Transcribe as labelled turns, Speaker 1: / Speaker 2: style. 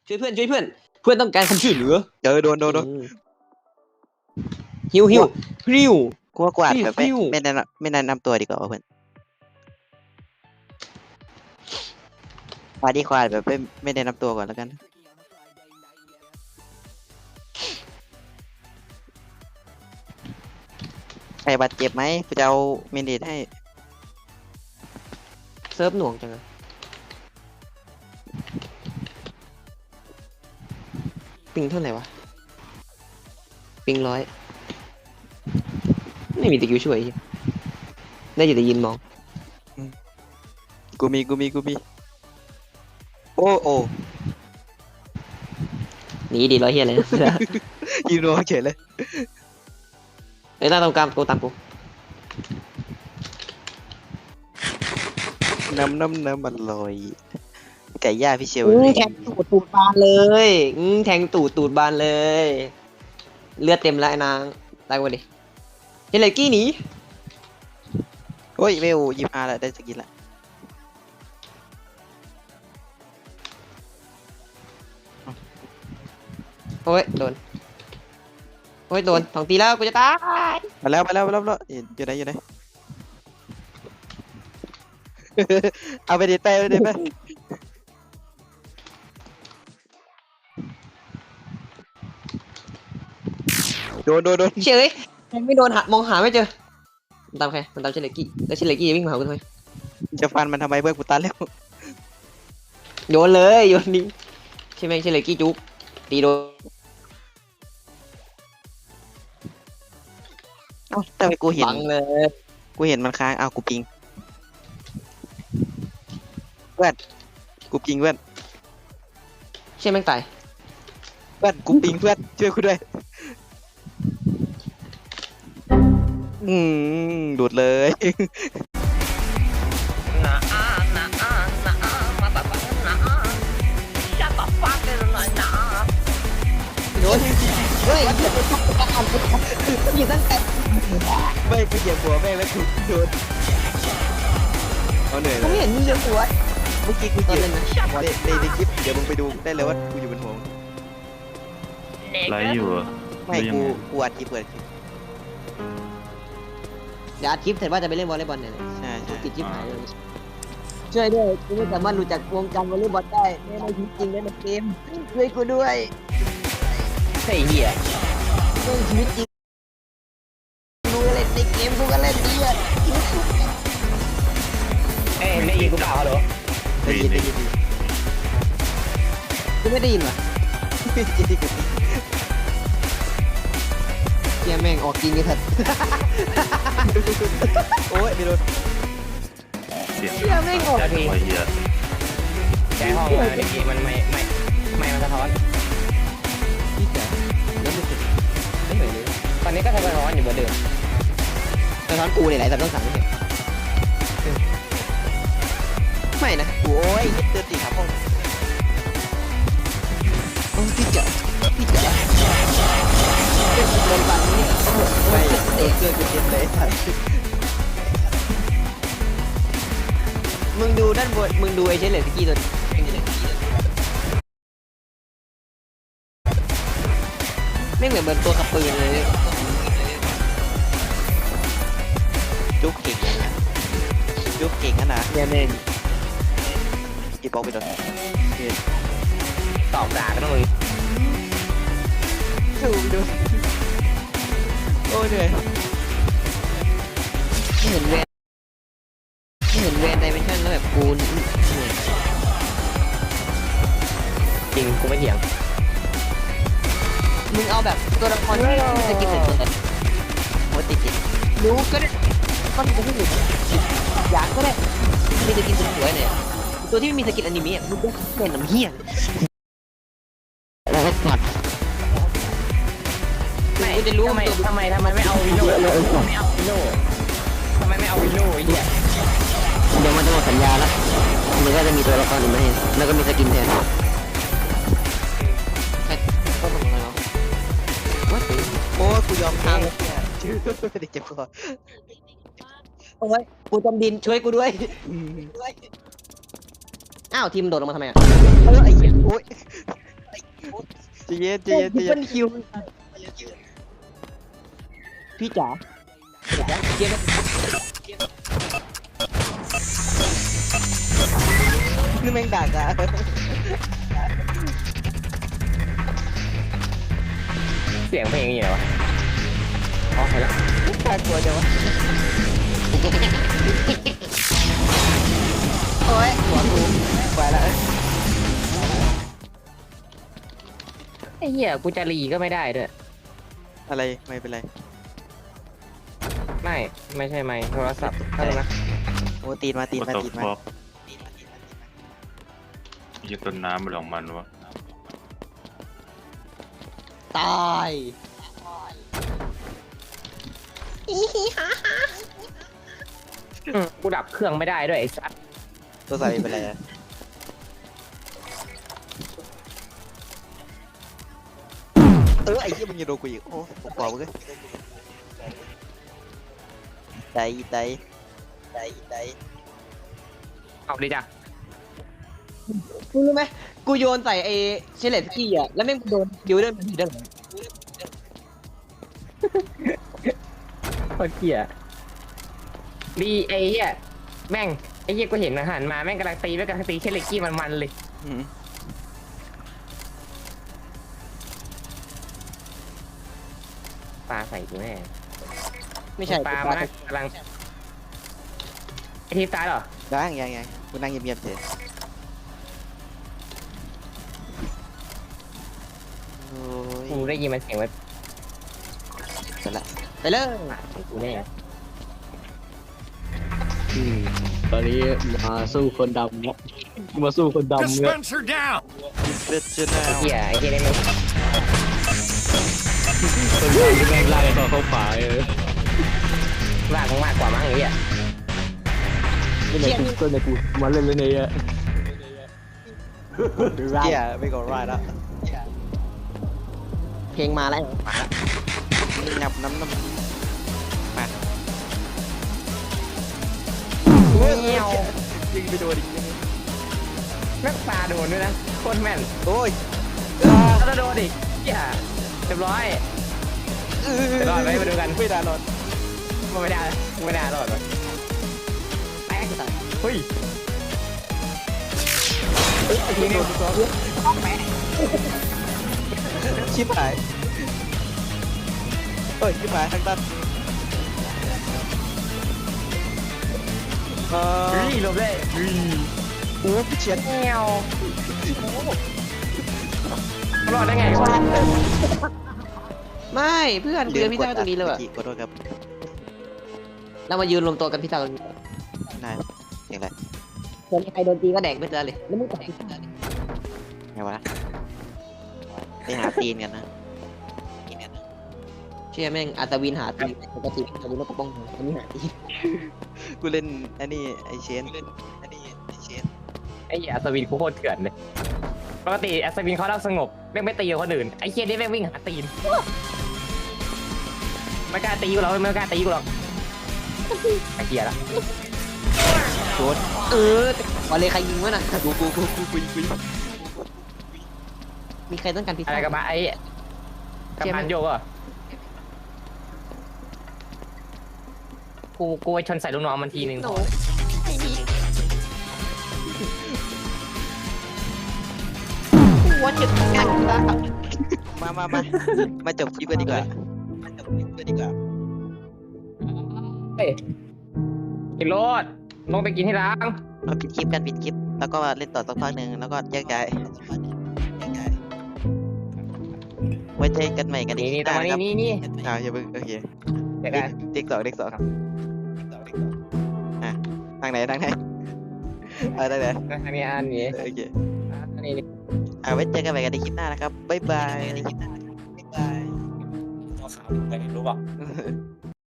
Speaker 1: ช่วยเพื่อนช่วยเพื่อนเพื่อนต้องการความช่วยเหลือ
Speaker 2: โดน
Speaker 1: ฮิวฮิวฮิว
Speaker 2: กูว่ากูอาจแบบ
Speaker 1: ฟิว
Speaker 2: ไม่แนะนำตัวดีกว่าเพื่อนพาดีควาดแบบไม่แนะนำตัวก่อนแล้วกันใครบาดเจ็บไหมกูจะเอาเมนเดตให้
Speaker 1: เซิร์ฟหน่วงจังเลยปิงเท่าไหร่วะปิง100ไม่มีตะกิ้วช่วยได้อยู่แต่ยินมอง
Speaker 2: กูมีโอ้
Speaker 1: หนีดีร้อยเฮียเลย
Speaker 2: ยืนรอเฉยเลย
Speaker 1: ไอ้ยตามกูตามกู
Speaker 2: น้ำมันลอยไก่ย่างพี่เชล
Speaker 1: แทงตูดบานเลยแทงตูดบานเลย เลือดเต็มแล้วไอ้นางตายกูดิเฮเลกี้หนี
Speaker 2: โอ้ยเวล25แล้วได้สกินละ
Speaker 1: โอ้ยโดนสองตีแล้วกูจะตาย
Speaker 2: มาแล้วอยู่ไหน เอาไปดิไปโดน
Speaker 1: เฉยไม่โดนมองหาไม่เจอมันตามใครมันตามเชเลกี้แล้วเชเลกี้วิ่งมาหากูทำไม
Speaker 2: จะฟันมันทำไมเพื่อนกูตันแล้ว
Speaker 1: โยนเลยโยนนี้ใช่ไหมเชเลกี้จุกตีโดน
Speaker 2: เอ้าทำไมกูเห็น
Speaker 1: บังเลย
Speaker 2: มันค้างอ้าวกูปิงเพื่อนกูปิงเพื่อน
Speaker 1: ใช่แม่งตาย
Speaker 2: กูปิงเพื่อนช่วยกูด้วยดูดเลย
Speaker 1: โดนเฮ้ยอยู่ตั้งแต่
Speaker 2: ไม่กูเหยียบหัวแม่งแล้วกูโดนเอาเหนื่อย
Speaker 1: ผม
Speaker 2: เลย
Speaker 1: เห็นมึงเดือดหัว
Speaker 2: เมื่อกี้กู
Speaker 1: ตอน
Speaker 2: เหยียบ
Speaker 1: เล่นนะ
Speaker 2: ในคลิปเดี๋ยวมึงไปดูได้เลยว่ากูอยู่บนหัวมึง
Speaker 3: ไลฟ์อยู่เหรอ
Speaker 2: ไม่
Speaker 3: หรือยังไง
Speaker 2: กูอัดคลิปเปิดคลิป
Speaker 1: เดี๋ยวอัดคลิปเสร็จว่าจะไปเล่นวอลเลย์บอลเนี่ย
Speaker 2: ใช่
Speaker 1: ติดชิปหายเลยช่วยด้วยกูไม่สามารถรู้จักวงการวอลเลย์บอลได้ในชีวิตจริงในเกมช่วยกูด้วยไอ้เหี้ยในชีวิตจริงกูก็เล่นในเกมกูก็เล่นดีอ่ะเอ้ยได้ยินกูเปล่าฮัลโหล
Speaker 2: ได้ยิน
Speaker 1: กูไม่ได้ยินว่ะเฮียแม่งออกจริงไอ้สัตว์
Speaker 2: โอ้ยไม่โดน
Speaker 3: เสียง
Speaker 1: เฮียแม่งออก
Speaker 3: ไอ้เหี้ย
Speaker 4: ใช้ห้องมาเมื่อกี้มันไม่มันสะท้อน
Speaker 1: พี่จ๋าแล้วไม่เสร็จไม่เหนื่อยเลย
Speaker 4: ตอนนี้ก็สะท้อนอยู่เหมือนเดิม
Speaker 1: สะท้อนกูเนี่ยไหนแต่ต้องสั่งไม่เสร็จไม่นะ
Speaker 2: โอ้ยเดินตีขาพ่อง
Speaker 1: โอ้พี่จ๋าเป็นโดนบันเนี่ยโอ้โห
Speaker 2: ไม่เกินกูเจ็บเลยสัตว์
Speaker 1: มึงดูด้านบนมึงดูไอ้เชลเลสกี้ตัวไม่เหมือนตัวขับปืนเลย
Speaker 2: จุกเก่งนะจุกเก่งนะ
Speaker 1: เนี่ยแม่ง
Speaker 2: กี่ปอกไปโดน
Speaker 4: ตอบด่ากันต้องเลย
Speaker 2: ถูกดูโอ้ยเหนื่อย
Speaker 1: ไม่เห็นแวนไดเมนชั่นแล้วแบบกูเหนื่อย
Speaker 4: จริงกูไม่เถียง
Speaker 1: มึงเอาแบบตัวละครที่มีสกิลเสร็จเลย
Speaker 2: โอ้ยติด
Speaker 1: รู้ก็ได้ก็จะไม่หยุดอยากก็ได้มีสกินสวยๆเนี่ยตัวที่ไม่มีสกินอนิเมะมึงก็เป็นน้ำเหี้ยแล้วก็ตัด
Speaker 4: ไม่
Speaker 1: กูจะรู้
Speaker 4: ทำไม
Speaker 1: ตัว
Speaker 4: ทำไมไม่เอาวิโน่ทำไมไม่เอาวิโน่ไอ้เหี้ย
Speaker 1: เดี๋ยวมันจะหมดสัญญาแล้วมันก็จะมีตัวละครอื่นมาให้แล้วก็มีสกินแทนก็ทำอะไรวะว่าถึง
Speaker 2: โอ้ยกูยอมแพ้เนี่ยชื่อเด็กเจ็บคอ
Speaker 1: โอ้ยกูจมดินช่วยกูด้วยอ้าวทีมโดดลงมาทำไมอ่ะ
Speaker 2: ไอ้เหี้ยโอ้ยใจเย็นใจเย็นใจ
Speaker 1: เปิ้
Speaker 2: เย็น
Speaker 1: ลคิวพี่จ๋าเดี๋ยวนะเกมนี่แม่งด่าจ้ะ
Speaker 4: เสียงเพลงอย่างไรวะอ๋อเห็นแล้ว
Speaker 1: น่ากลัวจังวะโอ้ยหัวกูไปแล้ว
Speaker 4: ไอ้เหี้ยกูจะรีก็ไม่ได้ด้วย
Speaker 2: อะไรไม่เป็นไร
Speaker 4: ไม่ใช่ไมค์โทรศัพท์เท่านั้นนะ
Speaker 2: โอ้ตีนมาตีน
Speaker 3: ก็
Speaker 2: มา
Speaker 3: ตก
Speaker 2: ตีน
Speaker 3: ฟ
Speaker 2: มา
Speaker 3: อกยี่ต้นน้ำมันของมันวะ
Speaker 1: ตาย
Speaker 4: กูดับเครื่องไม่ได้ด้วยไอ้สัส
Speaker 2: ตัวใส่เป็นไรอะไอ้เหี้ยมึงอย่าโดนกูอีกโอ้ผมบอกมึงเลยใจใจใจใจ
Speaker 4: เอาดิจ้ะ
Speaker 1: มึงรู้ไหมกูโยนใส่ไอ้เชลเลตสกี้อ่ะแล้วแม่งโดนดิวเดอร์มันผิดได้หรอ
Speaker 4: โคตรเหี้ยดีไอ้เหี้ยแม่งไอ้เหี้ยกูเห็นอาหารมาแม่งกำลังตีแม่งกำลังตีเชลเลกี้มันเลย
Speaker 2: อืม
Speaker 4: ปลาใส่กูแน่
Speaker 1: ไม่ใช่
Speaker 4: ปลามันกำลังไอทีมตายเหรอ
Speaker 2: ยังกูนั่งเงียบๆเฉยโอ้
Speaker 4: กู
Speaker 2: ย
Speaker 4: ได้ยินมันเสียงไว้
Speaker 2: เสร็จละ
Speaker 1: ไปเลย
Speaker 4: ปากของกูแน่
Speaker 1: ตอนนี้มาสู้คนดำเนี่ยมาสู้คนดำเนี่ย
Speaker 5: Dispenser down!
Speaker 2: เลือดชื่อหน้า
Speaker 4: ไอ้เหี้ยนี่มัน
Speaker 1: คนดำแม่งไล่ต่อเข้าป่าเลย
Speaker 4: ลากมึงมากกว่ามั้งไอ้เหี้ย
Speaker 1: นี่แหละกูในกูมาเล่นเลยเนี่ย
Speaker 2: เกียร์ไม่ก่อนไรแล้ว
Speaker 1: เพลงมาแล้ว
Speaker 2: งับน้ำมา
Speaker 4: เงี้ยว
Speaker 2: ยิงไปโดนอีก
Speaker 4: แม่งปลาโดนด้วยนะโคตรแม่น
Speaker 2: โอ้ย
Speaker 4: แล้วโดนอีกเหี้ยเรียบร้อยรอดไหมมาดูกัน
Speaker 2: ไม่ได้รอด
Speaker 4: ไม่ได้รอดวะแตกเฮ้ยทีนี้
Speaker 2: ชิบหายเอ้ยชิบหายทางด้าน
Speaker 4: เฮ้ยหลบได้เฮ้ย
Speaker 2: โอ้พี่เฉียด
Speaker 4: เงี้ยวรอดได้ไงวะ
Speaker 1: ไม่เพื่อนเดือนพี่ต้าตรงนี้เลย
Speaker 2: ขอโทษครับ
Speaker 1: เรามายืนรวมตัวกันพี่ต้าตรงนี้
Speaker 2: นายอย่างไร
Speaker 1: คนใครโดนตีก็แดกไปเจอเลยแล้วมึงแดก
Speaker 2: ไงวะไปหาตีนกันนะ
Speaker 1: เชื่อแม่งอัตวินหาตีปกติอัตวินก็ป้องกันอันนี้หาตี
Speaker 2: กูเล่นอันนี้ไอเชน
Speaker 4: ไอ้เหี้ยอัศวินกูโคตรเถื่อนเลยปกติอัศวินเขาเล่าสงบแม่งไม่ตีกับคนอื่นไอ้เหี้ยนี่แม่งวิ่งหาตีนไม่กล้าตีกูหรอกไม่กล้าตีกูหรอกไอ้เหี้ยละ
Speaker 2: โดน
Speaker 1: วันเลยใครยิงวะน่ะ
Speaker 2: กูยิง
Speaker 1: มีใครต้องการพิซ
Speaker 4: อะไร
Speaker 1: ซ่า
Speaker 4: กับมาไอ้กับพันโยกอ่ะกูไปชนใส่ลูกน้องมันทีนึง
Speaker 1: ว่าจะงานพิซซ่า
Speaker 2: มาจบคลิปกันดีกว่า
Speaker 4: เฮ้ยกินรถลงไปกินที่ร้าน
Speaker 2: มาปิดคลิปกันปิดคลิปแล้วก็เล่นต่อสักพักหนึ่งแล้วก็แยกย้ายไว้เจอกันใหม่กันอี
Speaker 4: นี่
Speaker 2: ก
Speaker 4: นี่ตรง
Speaker 2: นะครับ
Speaker 4: นี้
Speaker 2: อย่าเพิ่งโอเค
Speaker 4: เดี๋ยวกัน
Speaker 2: เด็กสองทางไหนทางไหนทางไหน
Speaker 4: ทางนี้อันนี้
Speaker 2: โอเค
Speaker 4: อันนี้
Speaker 2: ไว้เจอกันใหม่กันในคลิปหน้านะครับบ๊ายบาย
Speaker 4: รู้ป่ะ